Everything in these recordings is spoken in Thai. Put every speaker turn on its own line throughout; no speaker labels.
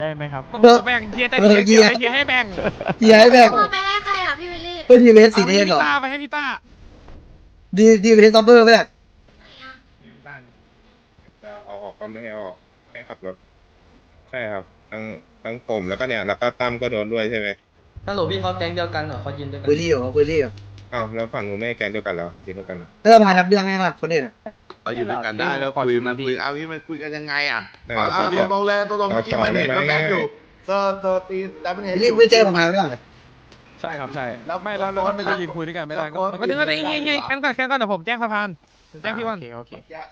ได้ไหมครับ
แบ่งเทียร์แต่เทียร์ให้แบ่ง
เฮียให้แบ่ง
ไปให้ใครอ่ะพี่วิลลี่
เพื่อทีเวสสีแดงเหรอ
ไปให้พี่ต้า
ดีเวสซัมเบอร์ไหมล่ะ
เอาออกก็ไม่ให้ออกให้ขับรถใช่ครับทั้งผมแล้วก็เนี่ยแล้วก็ตั้มก็โดนด้วยใช่ไหม
ฮัลโหลพี่เขาแก๊งเดียวกันเหรอเขายืนด้วยกัน
พื้นที่อยู่พื้นที่อยู่
อ้าวแล้วฝั่งหนูไม่ให้แกงเดียวกันแล้วทีเดียวกันเหรอ
เริ่มพาทำเรื่องให้มากคนอื่น
เราอยู่ด้วยกันได้แล้วคุยมันคุยเอาพี่มันคุยกันยังไงอ่ะ
ได้
เอา
ครับ
ตรงๆเลยตรงๆเมื่อกี้มันเห็นว่าแบงค์อยู่เซอร์ตีดับเบิลเฮด
รีบไปแจ้งผมมาไม่ได้
ใช่ครับใช่แล้วไม่แล้วมันจะยืนคุยด้วยกันไม่ได้ก็ถึงก็ได้เงี้ยแค่ก่อนเดี๋ยวผมแจ้งสะพานแจ้งพี่วันโอเค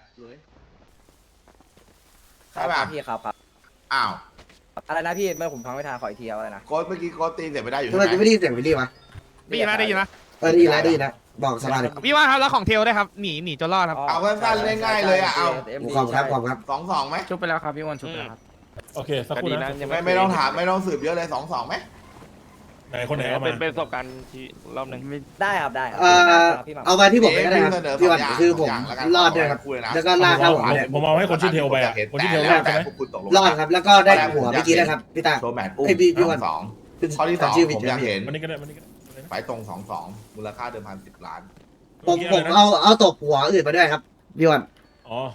ใช่ป่ะ
พี่ครับ
อ้าว
อะไรนะพี่เมื่อผมฟังไม่ทันขออีกทีเอาอะไรนะ
โค้ดเมื่อกี้โค้ดตีเสร็จไม่ได้อยู่
ทำ
ใช่
ไม
ไหม
ไม่ได้ยินเสียงวิลลี่วะ
ได้ยินนะ
ได้ยินแล้วบอกสบายเลย
พี่ว่าครับแล้วของเทลได้ครับหนีจนรอดครับ
เอาสั้นๆง่ายๆเลยอ่ะเอา
ขอบครับ
2-2ไหม
ชุบไปแล้วครับพี่วันชุบไปแล้วครับ
โอเคสักครู่นะ
ไม่ต้องถามไม่ต้องสืบเยอะเลย2-2ไหม
ไหนคนไหนเอามา
เป็นประสบการณ์ที่รอบหนึ่ง
ได้ครับได้ครับ
เอา
พี่หม่ำ
เอามาที่ผมก็ได้ครับพี่วันคือผมรอดด้วยครับแล้วก็ลากเข้าหัวเนี่ย
ผมเอาให้คนชื่อเทลไปอ่ะคนชื่อเทลรอดใช่ไหม
รอดครับแล้วก็ได้หัวเมื่อกี้นะครับพี่ตา
โชว์แมตช์อุ้ม
ไอ้พี่วัน
สองข้อที่2ผมอยากเห็น
วันนี้ก็ได้วันนี้ก็ได้
ไฟตรง2-2มูลค่าเดิมพัน10 ล้าน
ผมเอาตบหัวอื่นมาด้วยครับพี่วัน
อ๋อ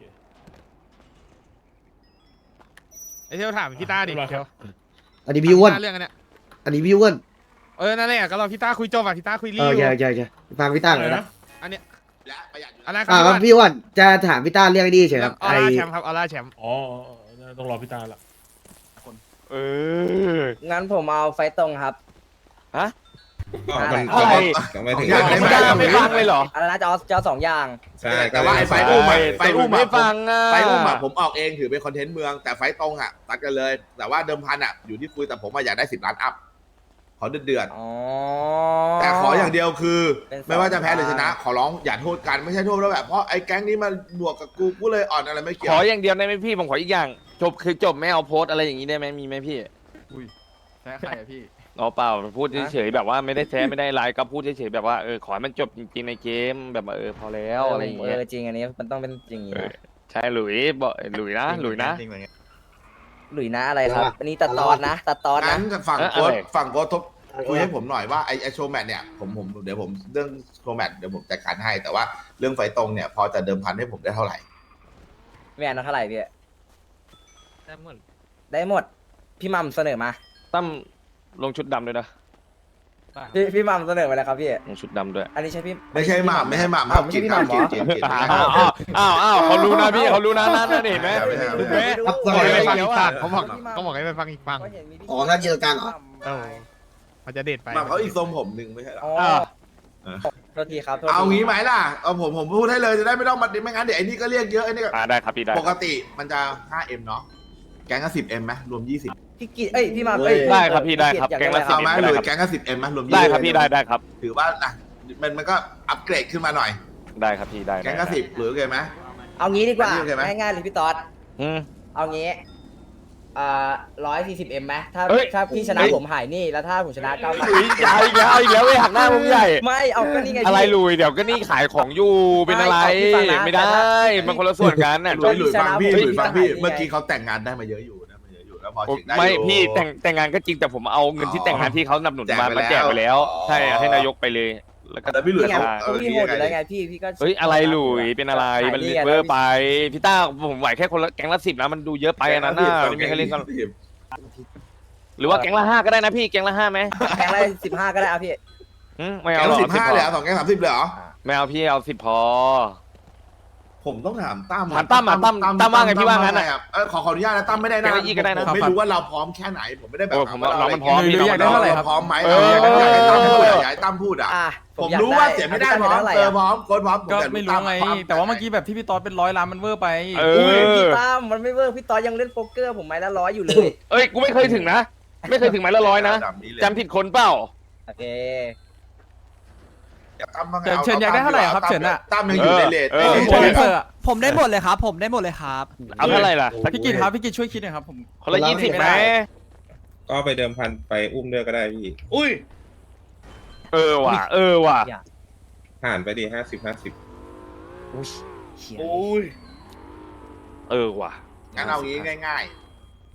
ไอเทลถามพี่ต้าดิเทล
อันนี้พี่อ้วน
เรื่องอันเนี้ย
อันนี้พี่อ้วน
นั่นแหละก็รอพี่ต้าคุยจบอ่ะพี่ต้าคุยรี
ใช่ฟังพี่ต้าหน่อยนะ
อันเนี้ย
และประหยัดอยู่
อันนั้นค
ค
รั
รั
บบ
พี่อ้วนจะถามพี่ต้าเรื่องนี้เฉยครับ
ออ
ไอ
ร่าแชมป์ครับออร่าแชมป์
อ๋อต้องรอพี่ตาละ
เออ
งั้นผมเอาไฟตรงครับ
มัน
อะไร
ไม่ถึง
ไม่ได้ไม่ฟังเลยเหรอ
อะไรนะจะเอา2 อย่าง
ใช่
แต่ว่าไอ้ไฟอุ้มอะไฟอุ้ม
ไม่
อะ
ฟังอ่ะ
ไฟอุ้มอะผมออกเองถือเป็นคอนเทนต์เมืองแต่ไฟตรงอะตัดกันเลย แต่ว่าเดิมพันอะอยู่ที่คุยแต่ผมอยากได้10 ล้านอัพขอเดือด
อ๋อ
ๆแต่ขออย่างเดียวคือ
เป็นสอง
ไม่ว่าจะแพ้หรือชนะ ขอร้องอย่าโทษกันไม่ใช่โทษแล้วแบบเพราะไอ้แก๊งนี้มันบวกกับกูเลยอ่อนอะไรไม่เกี่ย
ข
ว
ออย่างเดียวได้ไหมพี่ผมขออีกอย่างจบคือจบไม่เอาโพสต์อะไรอย่างนี้ได้ไหมมีไหมพี่
ใช่ใครอะพี่
อ๋อเปล่าพูดเฉยๆแบบว่าไม่ได้แท้ไม่ได้ไลน์ก็พูดเฉยๆแบบว่าขอให้มันจบจริงๆในเกมแบบว่าพอแล้วอะไรอย่างเงี้ย
จริงอันนี้มันต้องเป็นอย่างนี้นะ
ใช่หลุยบอกหลุยนะหลุยนะ
หลุยนะอะไรครับ อันนี้ตัดตอนนะตัดตอน
งั้
นะ
นฝั่งโค้ดฝั่งโค้ดทบคุยให้ผมหน่อยว่าไอ้โชว์แมตช์เนี่ยผมเดี๋ยวผมเรื่องโชว์แมตช์เดี๋ยวผมจัดการให้แต่ว่าเรื่องไฟตรงเนี่ยพอจะเดิมพันให้ผมได้เท่าไหร่
ไม่อ่านเท่าไหร่พี่
ได้หมด
ได้หมดพี่หม่ำเสนอมา
ตั้มลงชุดดำด้วยนะ
พี่หม่ำเสนอมาแล้วครับพี่
ลงชุดดำด้วย
อันนี้ใช่พี่
ไม่ใช่หม่ำครับ
ไม่ใช่พี่หม่ำเหรอ
จีน
อ้าวเขารู้นะพี่เขารู้นะนั่นเห็นไหม
ไม่ใช่
เห็นไหม
ครับ
บอกให้ไปฟังอีกฝั่ง
เดี๋ยวอะ
เขาบอกให้ไปฟังอีกฝั่ง
อ๋อถ้าเจอกันเหรอ
มันจะเด็ดไป
หม่ำเขาอีกทรงผมหนึ่งไม่ใช่หรอ
อ๋อโทษทีครับโทษที
เอางี้ไหมล่ะเอาผมพูดให้เลยจะได้ไม่ต้องมาดิไม่งั้นเดี๋ยวไอ้นี่ก็เรียกเยอะไอ้นี่ก็
ได้ครับพี่ได้
ปกติมันจะ 5M เนาะแก๊งก็ 10M ไหมรวม 20
พี่กิจพี่หม่ำ
ได้ครับพี่ได้ครับ
อยา
แกงละ
เอาไหม
10
หรือแก๊งก็ 10M ไหมรวม20
ได้ครับพี่ได้ครับ
ถือว่าอ่ะมันก็อัปเกรดขึ้นมาหน่อย
ได้ครับพี่ได้
แก๊งก็10หรือโอเคไหม
เอางี้ดีกว่า
อันนี้โอเคไหม
ง่ายๆเลยพี่ต๊อด
อืม
เอางี้140M ไหมถ้า
เอ้ย
ถ้าพี่ชนะผมหายนี่แล้วถ้าผมชนะ9
หลุยใหญ่อีกแล้วอีกแล้วเว้ยหักหน้าผมใหญ่
ไม่เอาก็นี่ไง
อะไรลุยเดี๋ยวก็นี่ขายของอยู่เป็นอะไรไม่ได้มันคนละส่วนกันน่ะ
หลุยฟังพี่หลุยฟังพี่เมื่อกี้เขาแต่งงานได้มาเยอะอยู่นะมาเยอะอยู่แล้วพอถึงได้
ไม่
อยู่
พี่แต่งงานก็จริงแต่ผมเอาเงินที่แต่งงานที่เขาสนับสนุนมาแจกไปแล้ว ใช่ให้นายกไปเลยแล้วก็
แต่พี่หลุย
นี่ไง
เขา
พี่โหดอยู่แล้วไงพี่ก็
เฮ้ยอะไรหลุยเป็นอะไรมันเวอร์ไปพี่ต้าผมไหวแค่คนละแก๊งละ10นะมันดูเยอะไปอันนั้นน่ะไม่มีใครเล่นกันหรือว่าแก๊งละ5ก็ได้นะพี่แก๊งละ5ไหม
แข่งอะไร15ก็ได้เอาพี่
ไม่
แก๊
เอา
ง
หรอก
15เลยเหรอ2แก๊ง30เลยเหรอ
ไม่เอาพี่เอา10พอ
ผมต้องถามตั้ม
ถามตั้มอ่ะตั้มว่าไงพี่ว่างั้นอ่ะ
ขออนุญาตนะตั้มไม่ได้นะ
แก๊งละ20ก็ได้นะ
ผมไม่รู้ว่าเราพร้อมแค่ไหนผมไม่ได้แบบ
โอ้ผมว่าเรามันพร้อม
หรืออยากได้เท่าไหร่ครับ
พร้อมไหม
เออ
อยากให้ตั้มพูดอ่ะ
ผม
รู้ว่าเสียไม่ได้พร้อมเจอพร้อมโค้ดพร้อม
ก็ไม่รู้ไง แต่ว่าเมื่อกี้แบบที่พี่ต๊อดเป็น100 ล้านมันเวอร์ไป
เอ
พี่
อ
ตั้มมันไม่เวิร์กพี่ต๊อดยังเล่นโป๊กเกอร์ผมไม้ละ100อยู่เลย
เอ้ยกูไม่เคยถึงนะไม่เคยถึงไม้ละ100นะจำผิดคนเปล่า
โอเค
เฉินอยากได้เท่าไหร่ครับเฉินอะ
ตั้มยังอยู่ในเลท
ผมได้หมดเลยครับ ผมได้หมดเลยครับ
เอาเท่าไหร่ล่ะ
พี่กิตครับพี่กิตช่วยคิดหน่อยครับผม
คนละ20ไหม
ก็ไปเดิมพันไปอุ้มด้วยก็ได้พี่
อุ้ย
เออว่ะ
ผ่านไปดี50
เชี่ย
อุ้ย
เออว่ะ
งั้นเอางี้ง่ายๆ ไฟ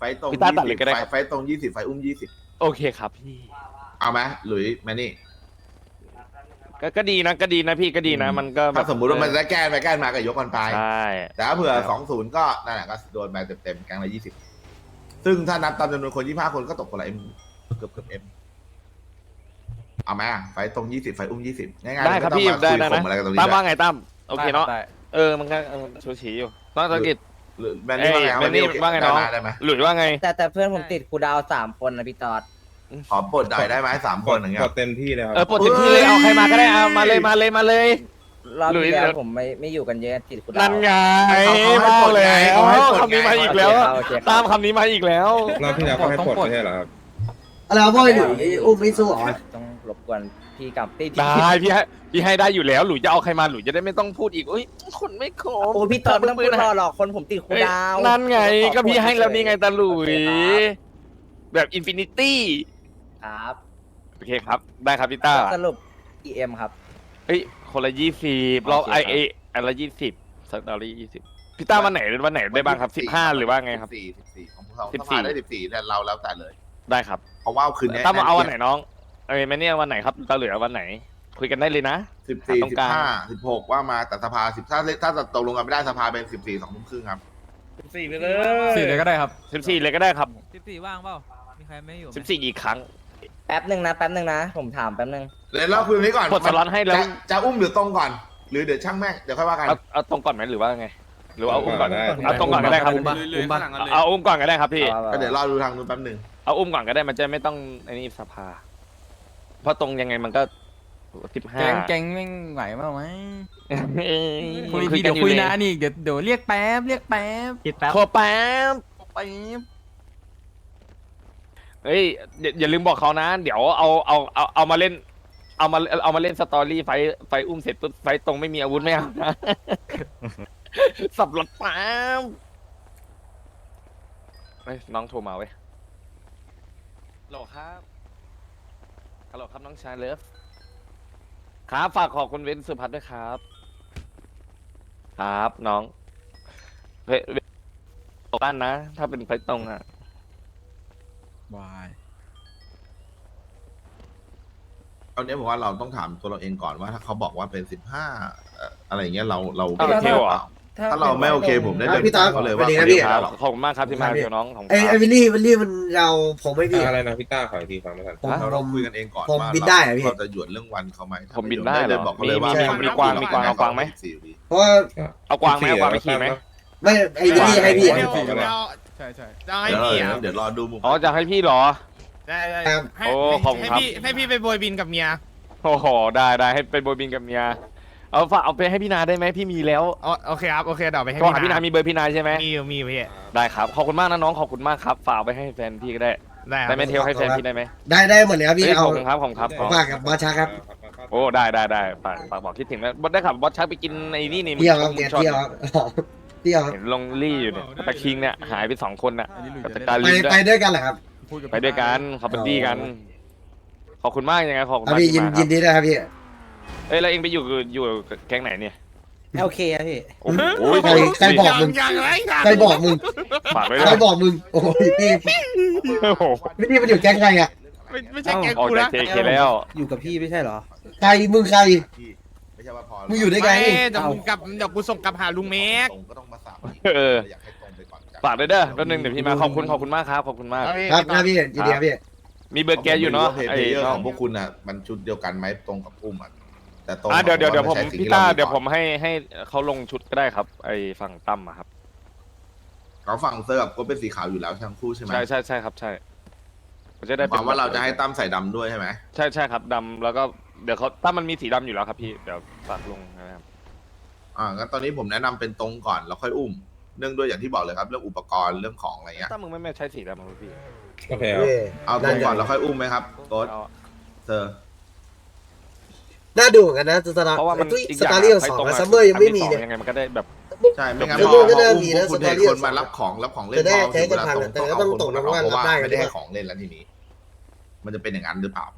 ไฟตรง
พี่ต้าตัดเลยก็ได้
20
ครับ
ไฟตรง20ไฟอุ้ม20
โอเคครับพี่
เอาไหมหลุยแมนนี่
ก็ดีนะก็ดีนะพี่ก็ดีนะมันก็แบบ
ถ้าสมมุติว่ามันจะแก้ไปแก้มาก็ยกกันไป
ใช่
แต่ถ้าเผื่อ20ก็นั่นแหละก็โดนไปเต็มๆแกงละ20ซึ่งถ้านับตามจำนวนคน25คนก็ตกคนละเอ็มเกือบเอ็มเอาไหมไฟตรง20ไฟอุ้ม20ง่ายๆ
ได้ครับพี่
ม่
ได้
ต้องมาคุย
นะ
ข่มอะไรกันตรงนี้
ตั้มว่า
ด้วย
ไงตั้มโอเคเนาะ
ได้
มันก็ชูชีอยู่ต้องธุรกิจ
หรือแมนนี่ว่าไงครับ
แมนนี่
โอเค
ว่าไงน้อง
ได้ไหม
หลุยว่าไง
แต่เพื่อนผมติดครูดาว3 คนนะพี่ตอด
ขอปลดหน่อยได้ไหม3 คนอย่างเงี้ย
กดเต็มที่เลยครับ
ปลดเต็มที่เลยเอาใครมาก็ได้เอามาเลยมาเลยมาเลย
รอบ
หลุย
ที่แล้วผมไม่อยู่กันเยอะติดครูดาว
นั่นไง
เขาให้
มา
ปลดไง
แล้ว
เขาให้ปลดไง
คำนี้มาอีกแล้ว
โอเคครับ
ตามคำนี้มาอีกแล้ว
รอบที่แล้วก็ให้ปลดไม่ใช่เหรอครับ
อะไรวะพ่อหลุยอุ้มไม่สู้เหรอ
ต้องรบกวนพี่กับพี่
ได้พี่ให้ได้อยู่แล้วหลุยจะเอาใครมาหลุยจะได้ไม่ต้องพูดอีกเอ้ยคนไม่ครบ
โอ้พี่ตอดไม่ต้องพูดรอหรอกคนผมติดครู
เอ้ย
ดาว
นั่นไงก็พี่ให้แล้วนี่ไงตาหลุยแบบอินฟินิตี้
ครับ
โอเคครับได้ครับพี่ต้า
สรุป EM ครับ
เอ้ยคนละ20เรา
โอเคครับ
อันละ20สักดอลลี่20พี่ต้าวันไหนได้บ้างครับ15หรือว่าไงครับ
14ของพวกเรา
14
ถ้ามาได้14เนี่ยเราแล้วแต่เลย
ได้ครับ
เพราะว่าคืนนี้
ต้ามาเอาวันไหนน้องแม่เนี่ยวันไหนครับตาเหลือวันไหน คุยกันได้เลยนะ
14
ตรงกลาง
15 16ว่ามาแต่สภาถ้าตกลงกันไม่ได้สภาเป็น14 2 ทุ่มครึ่งครับ
14ไปเลย
4เลยก็ได้ครับ
14เลยก็ได้ครับ
14 ว่างเปล่า มีใครไม่อยู่ไหม
14อีกครั้ง
แป๊บหนึ่งนะผมถามแป๊บหนึ่ง
เดี๋ยวเราคุยนี้ก่อน
กดสล็อตให้แล้ว
จะอุ้มหรือตรงก่อน หรือเดี๋ยวช่างแม่งเดี๋ยวค่อยว่ากัน
เอาตรงก่อนไหมหรือว่าไงหรือว่าเอาอุ้มก่อน
ได้
เอาตรงก่อนก็ได้ครับ
อุ้มปะ
เอาอุ้มก่อนก็ได้ครับพี่
ก็เดี๋ยวรอดูทางนู้นแป๊บหนึง
เอาอุ้มก่อนก็ได้มันจะไม่ต้องไอ้นี่สภา เพราะตรงยังไงมันก็15
แก๊งแม่งไหวเปล่าไหม
คุ
คุ
ย
ย
กั
เดี๋
น
ยว
อยู่
คุย
เลย
นานอีกเดี๋ยวเรียกแป๊บคิดแป๊บ
ขอแป๊บ
แป๊บ
เฮ้ยอย่าลืมบอกเขานะ เดี๋ยวเอามาเล่น เอามาเล่นสตอรี่ไฟอุ้มเสร็จปุ๊บไฟตรงไม่มีอาวุธไม่เอานะ สับหลดแป๊บเฮ้ยน้องโทรมาเว้ยฮัลโหลครับฮัลโหลครับน้องชายเลิฟครับฝากขอบคุณเว้นสุพัฒน์ด้วยครับ ครับน้องเฮ้ยบ้านนะ ถ้าเป็นไฟตรงอ่ะ
วาย
เอาเนี้ยผมว่าเราต้องถามตัวเราเองก่อนว่าถ้าเขาบอกว่าเป็น15อะไรอย่างเงี้ยเรา
โอเคเหรอ
ถ้าเราไม่โอเคผมได้เลย
พี่ตา
เขาเลย
สวั
ว่า
สดีครับ
ไม่
พี่
ได้หรอก
ขอบคุณมากครับที่มาเดี๋ยวน้องของ
ไอ้วิลลี่มันเราผมไม่พี่
อะไรนะพี่ต้าขออีกทีฟังไม่ทัน
เราคุยกันเองก่อน
ผม
ว่า
บินได้เหรอพี่
เราจะหยวนเรื่องวันเขาไหม
ผมบินได้เหร
เลย
อ
บอกเขาเลยว่า
มีกวางเอากวางไหม
เพราะว่า
เอากวางไหมเอากวางไปขี่ไหม
ไม่ไอ้วิลลี่ให้พี่
ใช่
เดี๋ยวรอดูมุม
อ๋อจะให้พี่เหรอ
ได้
ครับ
โอ้ขอบคุณครับ
ให้พี่ไปโบยบินกับเมีย
โอ้โหได้ให้ไปโบยบินกับเมียเอาไปให้พี่นาได้ไหมพี่มีแล้ว
โอเคครับ โอเคเดี๋ยวไปให้
ก็หาพี่นามีเบอร์พี่นาใช่ไหม
มีพี่
ได้ครับขอบคุณมากนะน้องขอบคุณมากครับฝากไปให้แฟนพี่ก็ได้
ได้ค
ได้
รับ
ไหมเทลให้แฟนพี่ได้ไหม
ได้หมดเลยครับพี่
เอ้ยข
เอา
อบคุณครับขอบคุณครับ
ฝากกับบอสชักครับ
โอ้ได้ฝากบอกคิดถึงนะบอสได้ขับบอสชักไปกินไอ้นี่นี่
เที่ยวครับ
มึ
แก
งชอบ
เที่ยวครับเที่ยวครับ
เห็นลงลี่อยู่เนี่ยตะคิงเนี่ยหายไป2 คนน่ะ
อันนี้หลุย
กับ
จะ
ตะ
ได้
การลินด้
ไป
วย
ด้วยกันเหรอครับ
พูกับ
ไปด้วยกันเขาเป็นดีกัน ขอบคุณมากยังไงขอบคุณ
ครับ
มาก
พี่
ที่มาค
ยิ
รับ
นดีด้วยครับพี่
เอ้ยแล้วเองไปอยู่แก๊งไหนเนี่ย
โอเคครับพี่
โอ้โห
ใครบอกมึง
ยังไรกัน
ใครบอกมึง
ฝากไว้
ใค
ด้
ร
วย
บอกมึงโอ้ยพี่
โอ้โห
พี่มันอยู่แก๊งใครอ่ะ
ไม่ใช่แกง
ออก
กู
จาก
นะ
เจเคแล้ว
อยู่กับพี่ไม่ใช่เหรอ
ใครมึงใคร
ไม่ใช่ว่าพอ
มึงอยู่ด้วยกัน
เดี๋ยวมึงกลับเดี๋ยวกูส่งกลับหาลุงเมก
ตรงก็ต้องมาสับ
เออ
อยากให้ตรงไปก่อน
ฝากด้วยเด้อแป๊บนึงเดี๋ยวพี่มาขอบคุณมากครับขอบคุณมาก
ครับพี่ยินดีครับพี่
มีเบอร์แกอยู่เนาะ
เพล
ไอ้
เยอร์
น้อ
ข
ง
องพวกคุณอ่ะมันชุดเดียวกันไหมตรงกับอุ้มอ่ะแต่ตรง
เดี๋ยวผม
ไใช่สิ่ง
พี่
ที่
ต้า
เร
เดี๋ยวผมให้เขาลงชุดก็ได้ครับ ไอ้ฝั่งตั้มอะครับ
เขาฝั่งเสื้อกับก็เป็นสีขาวอยู่แล้วทั้งคู่ใช่ไหม
ใช่ครับใช่มันจะได้
ความว่าเราจะให้ตั้มใส่ดำด้วยใช่ไหม
ใช่ครับดำแล้วก็เดี๋ยวเขาตั้มมันมีสีดำอยู่แล้วครับพี่เดี๋ยวฝากลงนะครับ
งั้นตอนนี้ผมแนะนำเป็นตรงก่อนแล้วค่อยอุ้มเนื่องด้วยอย่างที่บอกเลยครับเรื่องอุปกรณ์เรื่องของอะไรเงี้ย
ตั้มมึงไม่ใช้สีดำมั้งพี่
โอเคครับ
เอาตรงก่อนแล้วค่อยอุ้มไหมครับโค้ช
เอา
เซอร์
น่าดูเหมือนกันนะสตาร์
เพราะว่ามัน
ตุ้ย
อีก
ส
อย่าง
ตาร์เรียล
ไฟ
สอง
ตรง
ซัมเมอร์ยังไม่มีเนี่ย
ยังไงมันก็ได้แบบ
ใช่ไม่งั้น
คือ
พอ
ก็น่ามี
อุ้ม
นะ
คุณ
สตอ
เท
รี่
คนมารับของแล้วของเล่น
จะได้
พอ
ใช้
ถึงเวลา
กันทัน
ตรง
แต่ก็ต้องตรง
เอา
นะว่า
เพราะว่า
รับได้
ไม่ได้
หรือเป
ให้
ล่า
ของเล่นแล้วทีนี้ มันจะเป็นอย่างนั้นหรือเปล่า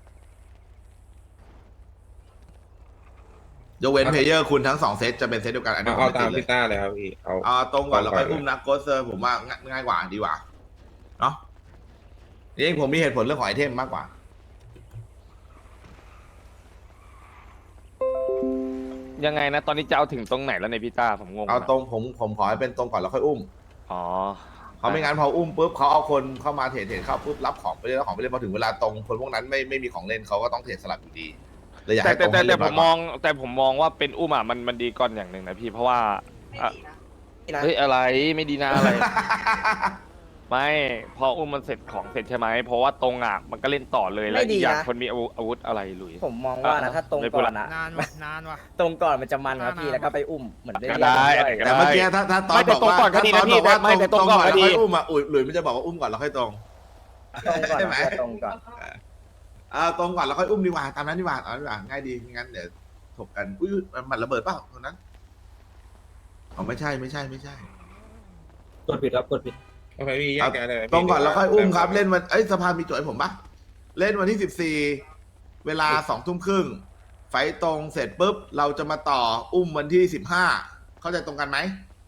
ยกเว้นเพลเยอร์คุณทั้ง2เซตจะเป็นเซตเดียวกันอันนี้ผม
เอา
ไม่
ตา
ติ
ม
ดเลย
พี่ต้าเลยครับพี่เอา
เอาตรงก่อนแล้วค่อยอุ้มนะโกสเซอร์ผมว่าง่ายกว่าดีกว่าเนาะจริงผมมีเหตุผลเรื่องของไอเทมมากกว่า
ยังไงนะ ตอนนี้จะเอาถึงตรงไหนแล้วในยพี่ต้าผมงง
เอา
นะ
ตรงผมขอให้เป็นตรงก่อนแล้วค่อยอุ้ม
อ๋อ
เขาไม่งั้นพออุ้มปุ๊บเขาเอาคนเข้ามาเทรดเข้าปุ๊บรับของไปเล่นรับของไปเล่นพอถึงเวลาตรงคนพวกนั้นไม่มีของเล่นเขาก็ต้องเทรดสลับอยู่ดีเลยอยาก
แต่
ให้ตรงให้เรี
แต่
ยบร้
ผ
อย
ม
ก่
ม
อน
องแต่ผมมองว่าเป็นอุ้มอ่ะมันดีก่อนอย่างหนึ่งนะพี่เพราะว่าอ่ะ
นี่นะ
เฮ้ยอะไรไม่ดีนะอะไร ไม่พออุ้มมันเสร็จของเสร็จใช่ไหมเพราะว่าตรงอ่ะมันก็เล่นต่อเลยแล้วอีกอย่างคนมีอาวุธอะไรหลุย
ผมมองว่านะถ้าตรงก่อนนะ
นานว่ะนานว่ะ
ตรงก่อนมันจะมันครับพี่แล้วก็ไปอุ้มเหมือนได้
ก็
เรีย
ได้
กด้วย
แต่เมื่อกี้ถ้าตอน
ไม่แต่
บอกว่า
ตรงก่อนก็ดีนะ
ถ้าตอนบอกว่า
พี่ไม่แต่
ตรงก่อน
ตรงก่อนก็
แล้ว
ดี
ค่อยอุ้มอ่ะหลุยมันจะบอกว่าอุ้มก่อนแล้วค่อยตรง
ตรงก่อน
ใช่ไหม
นะตรงก่อน
ตรงก่อนแล้วค่อยอุ้มดีกว่าตามนั้นดีกว่าเอาดีกว่าง่ายดีไม่งั้นเดี๋ยวถกกันอุ้ยมันระเบิดเปล่าตรงนั้นอ๋อไม่ใช่
กดผิดครับกดผิด
โอเคพี่แยกกันเลย
ตรงก่อนแล้วค่อยอุ้มครับเล่นวันสภามีโจทย์ให้ผมปะเล่นวันที่14เวลา20:30ไฟตรงเสร็จปุ๊บเราจะมาต่ออุ้มวันที่15เข้าใจตรงกันไหม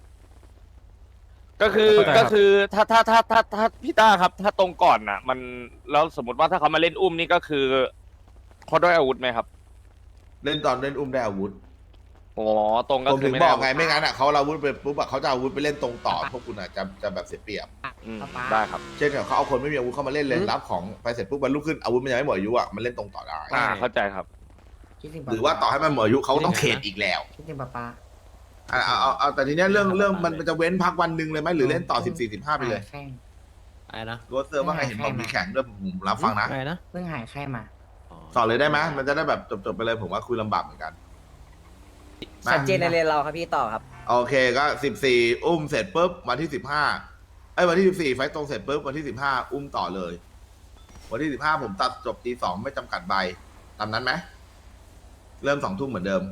ก็คือ
เข้าใจครับ
ก็คือถ้าพี่ต้าครับ ถ้าตรงก่อนน่ะ มันแล้วสมมติว่าถ้าเขามาเล่นอุ้มนี่ก็คือเขาด้วยอาวุธไหมครับ
เล่นตอนเล่นอุ้มได้อาวุธ
อ๋อตรงก็
ผม
คื
ถึ
อง ไม่
บ
ได้
อกไงไม่งั้นอ่ะเขาเอาอาวุธไปปุ๊บอะเขาจะเอาอาวุธไปเล่นตรงต่อพวกคุณอ่ะจะแบบเสียเปรียบ
อืมได้ครับ
เช่นกับเขาเอาคนไม่มีอาวุธเข้ามาเล่นเลยรับของไปเสร็จปุ๊บวันรุ่งขึ้นอาวุธมันยังไม่หมดอายุอ่ะมันเล่นตรงต่อได้
เข้าใจครับ
หรือว่าต่อให้มันหมดอายุเขาก็ต้องเทรดอีกแล้ว
คิดถึงป๊าป๊า
เอาแต่ทีเนี้ยเรื่องมันจะเว้นพักวันหนึ่งเลยไหมหรือเล่นต่อ14-15ไปเลย
แข้ง
อะไรนะ
โรสเซอร์ว่าไงเห็นบอกมีแข่งด้วยผมรับฟังนะ
อะไรนะ
เพิ่งหายแข้งมา
ต่อเลยได้ไหมมันจะได้แบบจบไปเลยผมว่าคุยลำบากเหมือนกัน
ชัดเจนในเรียนเราครับพี่ต่อครับ
โอเคก็14อุ้มเสร็จปุ๊บวันที่15วันที่14ไฟตรงเสร็จปุ๊บวันที่15อุ้มต่อเลย วันที่15ผมตัดจบตี2ไม่จำกัดใบตามนั้นไหมเริ่ม20:00เหมือนเดิม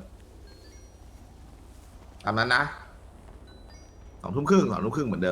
ตามนั้นนะ20:30เหมือนเดิม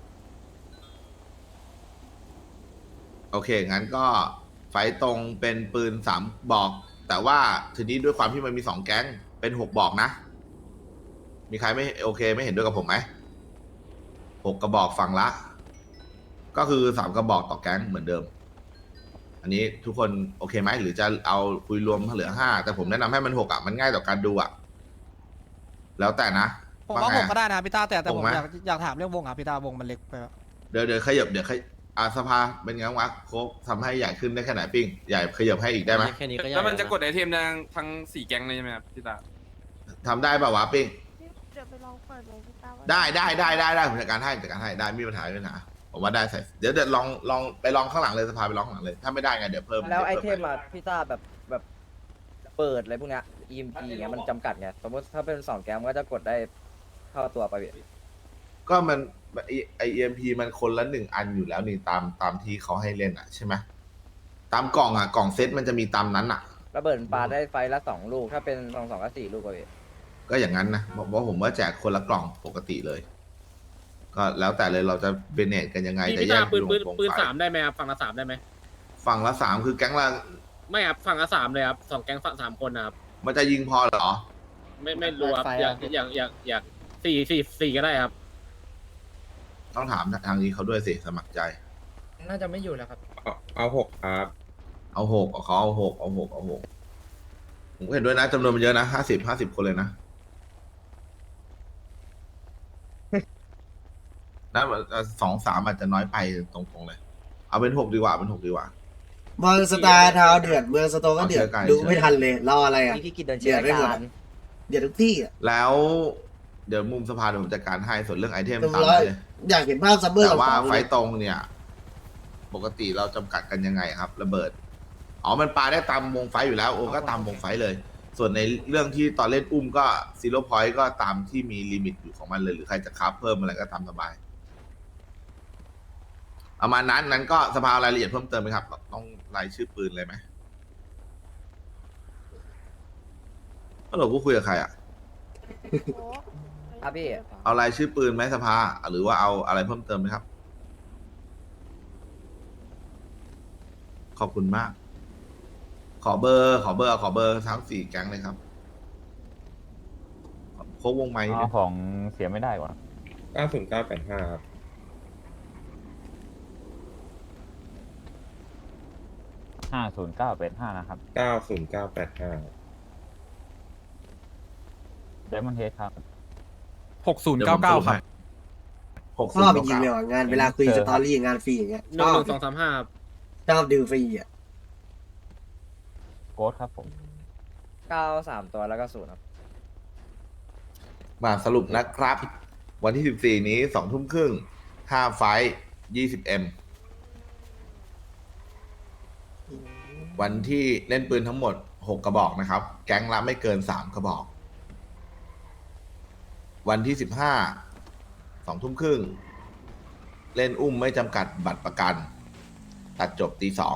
โอเคงั้นก็ไฟตรงเป็นปืน3บอกแต่ว่าทีนี้ด้วยความที่มันมี2แก๊งเป็น6บอกนะมีใครไม่โอเคไม่เห็นด้วยกับผมไหม6กระบอกฝั่งละ ก็คือ3กระบอกต่อแก๊งเหมือนเดิม อันนี้ทุกคนโอเคไหมหรือจะเอาคุยรวมเหลือ5แต่ผมแนะนำให้มัน6อ่ะมันง่ายต่อการดูอ่ะแล้วแต่นะ
ผมว่า
ไง
ผมก็ได้นะพี่ต้าแต่ผม
ผมไหม
อยากถามเรื่องวงอ่ะพี่ต้าวงมันเล็กไปปะ
เดี๋ยวขยับสภาเป็นไงวะโค้กทำให้ใหญ่ขึ้นได้แค่ไหนปิ้งใหญ่ขยับให้อีกได้ไหม
แค่นี้ก็ยาก
แล้วมันจะกดไอเทมทั้ง4แก๊งเลยใช่ไหมครับพี่ตา
ทำได้ป่าวะปิ้ง
เดี๋ยวไปลองเปิดเลยพี่ตาว่า
ได้ผมจัดการให้ได้ไม่มีปัญหาผมว่าได้ใส่เดี๋ยวลองไปลองข้างหลังเลยสภาไปลองข้างหลังเลยถ้าไม่ได้ไงเดี๋ยวเพิ่ม
แล้วไอ
ดี๋ยว
เท
พิ่
มอะพี่ต้าแบบเปิดอะไรพวกเนี้ย EMP อย่างเงี้ยมันจำกัดไงสมมติถ้าเป็น2แก๊งมันก็จะกดได้เข้าตัวไปพี่
ก็มันไอเอ็มพีมันคนละ1 อันอยู่แล้วนี่ตามที่เขาให้เล่นอ่ะใช่ไหมตามกล่องอ่ะกล่องเซตมันจะมีตามนั้นอ่ะ
ระเบิดปาได้ไฟละ2ลูกถ้าเป็น2ก็4ลูกไปพี่
ก็อย่างนั้นนะบอกว่าผมว่าแจกคนละกล่องปกติเลย ก็แล้วแต่เลยเราจะเบเนตกันยังไงจะแยกปืน
3ได้ไหมครับฝั่งละ3ได้ไหม
ฝั่งละ3คือแก๊งละ
ไม่ครับฝั่งละ3เลยครับ2แก๊งฝั่ง3คนนะครับ
มันจะยิงพอเหรอ
ไม่รู้ครับอยาก4ก็ได้ครับ
ต้องถามทางนี้เขาด้วยสิสมัครใจ
น่าจะไม่อยู่แล้วครับ
เอา6ครับ
เอา6เขาเอา6ผมก็เห็นด้วยนะจำนวนมันเยอะนะ50 คนเลยนะน่า2-3อาจจะน้อยไปตรงๆเลย เอาเป็น6ดีกว่าเมืองสตาร์ทาวเดือดเมืองสโตก็เดือดดูไม่ทันเลยรออะไรอ่ะ
พี่กิจเดินเชียร์รายการ
เดี๋ยวทุกที่อ่ะ
แล้วเดี๋ยวมุมสภาเดี๋ยวผมจัดการให้ส่วนเรื่องไอเทม
เรียบ
ตาม
ร้อย
เลย
อยากเห็นภาพซัมเมอร์
แต่ว่า
กับ
ไฟตรงเนี่ย ปกติเราจำกัดกันยังไงครับ ระเบิดอ๋อมันปาได้ตามวงไฟอยู่แล้วโอ้ก็ตามวงไฟเลย ส่วนในเรื่องที่ตอนเล่นอุ้มก็ซีโร่พอยต์ก็ตามที่มีลิมิตอยู่ของมันเลยหรือใครจะคับเพิ่มอะไรก็ตามสบายประมาณนั้นก็สภารายละเอียดเพิ่มเติมไหมครับต้องรายชื่อปืนเลยไหมก็เราพูดคุยกับใครอ่ะ
โอ้
ครับพี่
เอารายชื่อปืนไหมสภาหรือว่าเอาอะไรเพิ่มเติมไหมครับ ขอบคุณมาก ขอเบอร์ทั้ง4แก๊งเลยครับโค้งวงไม้นิดนึง
ของเสียไม่ได้ก่อน
90985ครับ 90985
ไดมอนด์เฮดครับ
6099ครับ
ชอบจริงๆเลยว่ะงานเวลาคุยสตอรี่งานฟรีอย่างเงี้ย
หนึ่งหนึ่งสองสามห้าครับ
ชอบดูฟรีอ่ะ
โค้ดครับผม
9 3 ตัวแล้วก็0ครับ
มาสรุปนะครับ วันที่ 14 นี้ 2 ทุ่มครึ่ง 5 ไฟท์ 20M วันที่เล่นปืนทั้งหมด 6 กระบอกนะครับ แก๊งละไม่เกิน 3 กระบอก วันที่ 15 2 ทุ่มครึ่ง เล่นอุ้มไม่จำกัดบัตรประกัน ตัดจบตี 2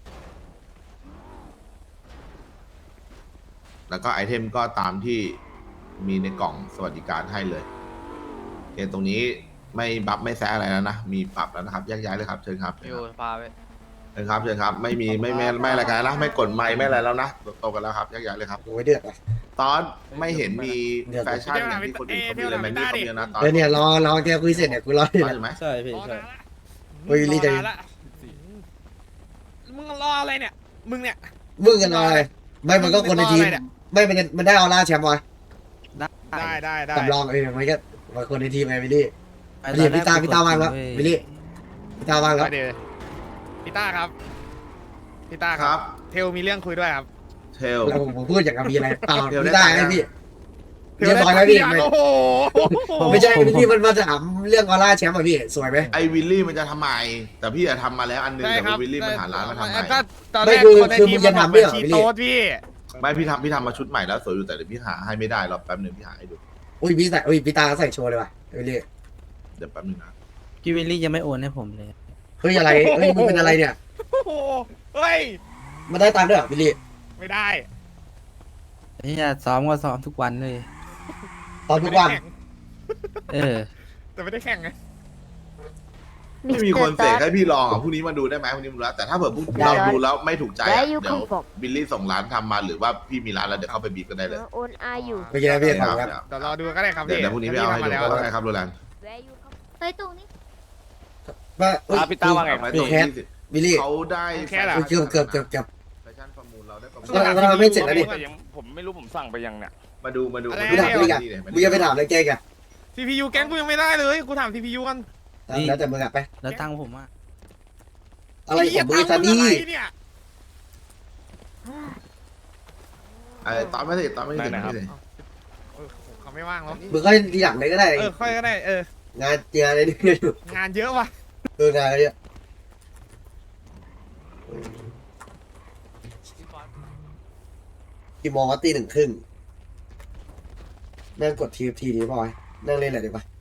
แล้วก็ไอเทมก็ตามที่มีในกล่องสวัสดิการให้เลยตรงนี้ไม่บัฟไม่แซะอะไรแล้วนะ มีปรับแล้วนะครับแยกย้ายเลยครับเชิญครับ
อยู่พาไป
เชิญครับเชิญครับ ไม่มีไม่อะไรกันแล้วนะไม่กดไมค์ไม่อะไรแล้วนะโตกันแล้วครับแยกย้ายเลยครับ
โอ้ยเดือดอ่ะ
ตอนไม่เห็นมีแฟชั่นอย่างที่คนอื่นเขามีเลยแมนนี่เขามีนะตอน
แล้วเนี่ยรอแกคุยเสร็จเนี่ยกูรออยู่
ตอน
นะ
อยู่ไหม
ใช่พี่ใช่
เฮ้ยรีบใจ
รอละมึงรออะไรเนี่ย มึงเนี่ย
มึงกันรอเลยไม่มันก็คนในทีมไม่มันได้ออร่าแชมป์วะ
ได้
สำรองมันก็มันคนในทีมไงวิลลี่นี่พี่ตาว่างแล้ววิลลี่พี่ตาว่างแล้ว
เดี๋ยวพี่ต้าครับพี่ต้า
ค
ค
รั
รับ บ เทลมีเรื่องคุยด้วยครับ
เทล
แล้วผมพูดอย่างกับมีอะไรเปล่า
เดี๋ยว
พี่ตา
ได้
ให้พี่
เท
เรียบร้อยแล้วพี่
โอ้โห
ไม่ใช่พี่มันมาถามเรื่องออร่าแชมป์อ่ะพี่สวยไหม
ไอวิลลี่มันจะทำไมแต่พี่อะทำมาแล้วอันนึง
ใช่
แต่
ครับ
วิลลี่มันหาร้านมาทำใหม่
ก็ตอนแร
ไม่
ก
คือ
คนใน
คือ
ที
มึ
ม
งจะ
บอก
ทำ
เป็
ด้วย
น
เหรอ
ชี
วิลลี่
โต๊ดพี่
ไม่พี่ทำมาชุดใหม่แล้วสวยอยู่แต่เดี๋ยวพี่หาให้ไม่ได้รอแป๊บนึงพี่หาให้ดู
อุ้ยพี่ตาใส่โชว์เลยว่ะวิลลี่
เดี๋ยวแป๊บนึงนะ
พี่วิลลี่ยังไม่โอนให้ผมเลย
เฮ้ยอะไรเฮ้ยมึงเป็นอะไรเนี่ย
โอ้โหเฮ้ย
มันได้ตังค์ด้วยเหรอวิลลี่
ไม่ได้
นี่ซ้อมก็ซ้อมทุกวันเลย
ตอนทุกวัน
เออ
แต่ไม่ได้แข่งไง
ไม่มีคนเสกให้พี่ลองอ่ะพรุ่งนี้มาดูได้ไหมพรุ่งนี้มาดูแล้วแต่ถ้าเผื่อพรุ่งเราดูแล้วไม่ถูกใจอะเดี๋ยวบิลลี่ส่งร้านทำมาหรือว่าพี่มีร้านแล้วเดี๋ยวเข้าไปบีบกันได้เลย
โอนอาอยู่
ไม่ใช่พี่ถามครับ
เดี๋ยวรอดูก็ได้ครับ
เดี๋ยว
พี่
พรุ่งนี้พี่เอาให้ดูก็ได้ครับโรแลนด์
แวะอยู่ครับเฮ้ยตรงนี้
ว่า
พี่ต้าว่าไง
ไป
วิ
ตรง
แคส
ที่
วิลลี่
เขาได้
แค่ละ
เกือบ
แฟชั่นประมูลเราได้ประมูล
เราไม่เสร็จแล้วดิ
ผมไม่รู้ผมสั่งไปยังเนี่ย
มาดู
พี่ถามพี่กันมึงจะไปถามอะไรแกกัน
CPU แก๊งกูยังไม่ได้เลยกูถาม CPU กัน
แล้วแต่มึงอะไป
แล้วตังค์ผมอ่ะ
อะไรของมึงซันนี่
อะไรเนี่ย
ตอนไม่ได้ตอนไม่ได้
เออเขาไม่ว่างแล้ว
มึงก็ทีหลังเลยก็ได้
ค่อยก็ได้
งานอะไรนี่อยู่
งานเยอะว่ะ
งานอะไรเนี่ยกี่โมงวะตี 1:30นั่งกดทีนี้พอยนั่งเล่นอะไรดีป่ะ